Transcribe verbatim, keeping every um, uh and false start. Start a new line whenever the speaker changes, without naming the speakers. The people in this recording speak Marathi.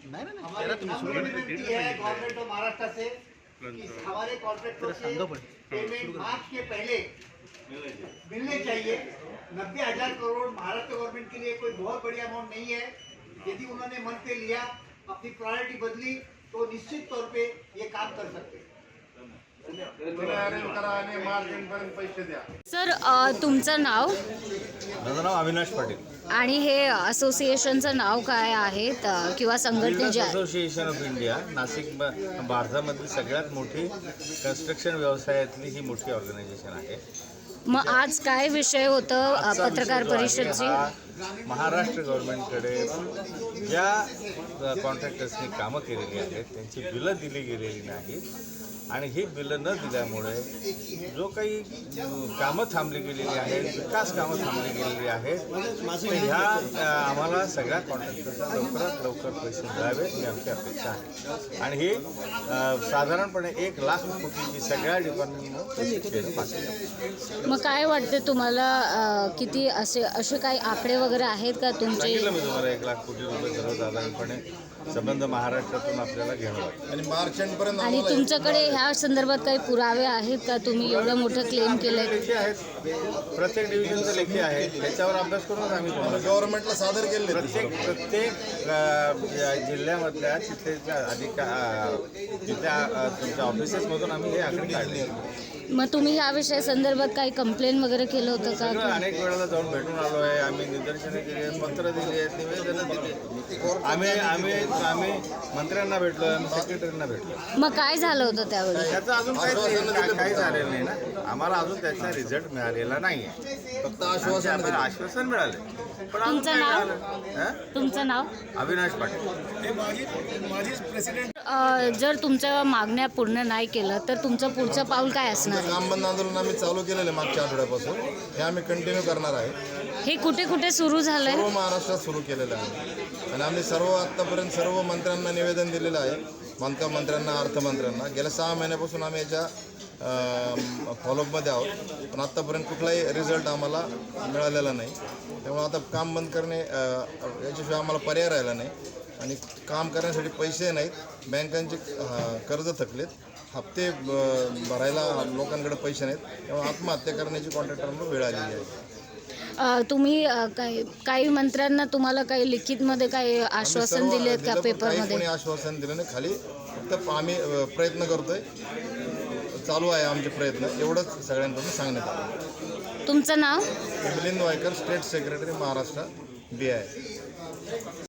नहीं नहीं
हमारी विनती है गवर्नमेंट ऑफ महाराष्ट्र से कि हमारे कॉन्ट्रैक्टरों के पेमेंट मार्च के पहले मिलने चाहिए। नब्बे हजार करोड़ महाराष्ट्र गवर्नमेंट के लिए कोई बहुत बड़ी अमाउंट नहीं है। यदि उन्होंने मन पे लिया, अपनी प्रायोरिटी बदली, तो निश्चित तौर पे ये काम कर सकते हैं।
सर अ, तुमचं नाव
माझं नाव अविनाश पाटील
आणि हे असोसिएशनचं नाव काय आहे त- किंवा संघटनेचे आहे?
असोसिएशन ऑफ इंडिया नाशिक ब- भारतामधली सगळ्यात मोठी कन्स्ट्रक्शन व्यवसायातली ही मोठी ऑर्गनायझेशन आहे.
मग आज काय विषय होतं अ,
आजचा
पत्रकार
विषय जो आहे
परिषदची?
हा महाराष्ट्र गव्हर्नमेंटकडे ज्या कॉन्ट्रॅक्टर्सनी कामं केलेली आहेत त्यांची बिलं दिली गेलेली नाहीत आणि ही बिलं न दिल्यामुळे जो काही अं, कामं थांबली गेलेली आहेत, विकास कामं थांबली गेलेली आहेत, तर ह्या अं, आम्हाला सगळ्या कॉन्ट्रॅक्टर्सना लवकरात लवकर पैसे मिळावेत ही आमची अपेक्षा आहे. आणि ही अं, साधारणपणे एक लाख कोटीची सगळ्या डिपार्टमेंटनं पैसे केलं पाहिजे.
मग काय वाटते तुम्हाला अ, किती असे असे काही आकडे वगैरे आहेत का तुमचे?
सांगितलं मी तुम्हाला एक लाख कोटी रुपये सर्वसाधारणपणे संबंध महाराष्ट्रातून आपल्याला घ्यावं लागतं.
आणि मार्च एंडपर्यंत
आणि तुमच्याकडे ह्या संदर्भात काही पुरावे आहेत का? तुम्ही एवढं मोठं क्लेम केलंय.
लेखी आहेत, प्रत्येक डिव्हिजनचे लेखी आहेत, त्याच्यावर अभ्यास करूनच आम्ही तुम्हाला
गव्हर्नमेंटला सादर केले.
प्रत्येक प्रत्येक अ, या जिल्ह्यामधल्या तिथल्या अधिका अ, तिथल्या अ, तुमच्या ऑफिसेसमधून आम्ही हे आकडे काढले.
मग तुम्ही ह्या विषया संदर्भात काही कंप्लेंट वगैरे केलं होतं
सगळं
का?
अनेक वेळेला जाऊन भेटून आलो आहे. आम्ही निदर्शने केली आहेत, पत्र दिली आहेत, निवेदनं दिली आहेत. आम्ही आम्ही आम्ही मंत्र्यांना भेटलो, आम्ही सेक्रेटरींना भेटलो.
मग काय झालं होतं त्यावेळी?
त्याचं अजून काही काही झालेलं नाही ना. आम्हाला अजून त्याचा रिझल्ट मिळालेला नाही आहे.
फक्त आश्वासन
आम्हाला आश्वासन मिळाले पण अजून
तुमचं
काही
नाव?
मिळालं. हं?
तुमचं नाव?
अविनाश पाटील.
अ, जर तुमच्या मागण्या पूर्ण नाही केलं तर तुमचं पुढचं पाऊल काय असणार आहे?
काम बंद आंदोलन आम्ही चालू केलेलं आहे मागच्या आठवड्यापासून. हे आम्ही कंटिन्यू करणार आहे.
हे कुठे कुठे सुरू झालंय?
सर्व महाराष्ट्रात सुरू केलेलं आहे आणि आम्ही सर्व आत्तापर्यंत सर्व मंत्र्यांना निवेदन दिलेलं आहे. बांधकाम मंत्र्यांना, अर्थमंत्र्यांना. गेल्या सहा महिन्यापासून आम्ही याच्या फॉलोअपमध्ये आहोत, पण आत्तापर्यंत कुठलाही रिझल्ट आम्हाला मिळालेला नाही. त्यामुळे आता काम बंद करणे अ, याच्याशिवाय आम्हाला पर्याय राहिला नाही. आणि काम करण्यासाठी पैसे नाहीत, बँकांचे अ, कर्ज थकलेत, हप्ते ब- भरायला लोकांकडे पैसे नाहीत. त्यामुळे आत्महत्या करण्याची कॉन्ट्रॅक्टरांना वेळ आलेली आहे.
अ, तुम्ही अ, काही काही मंत्र्यांना तुम्हाला काही लिखितमध्ये काही आश्वासन
सर्व
दिले आहेत
दिलं,
का
पण काही कोणी
पेपरमध्ये?
आश्वासन दिलं नाही. खाली फक्त आम्ही अ, प्रयत्न करतोय, चालू आहे आमचे प्रयत्न, एवढंच सगळ्यांकडून सांगण्यात आलं.
तुमचं नाव?
Milind Waikar, state secretary Maharashtra, B I.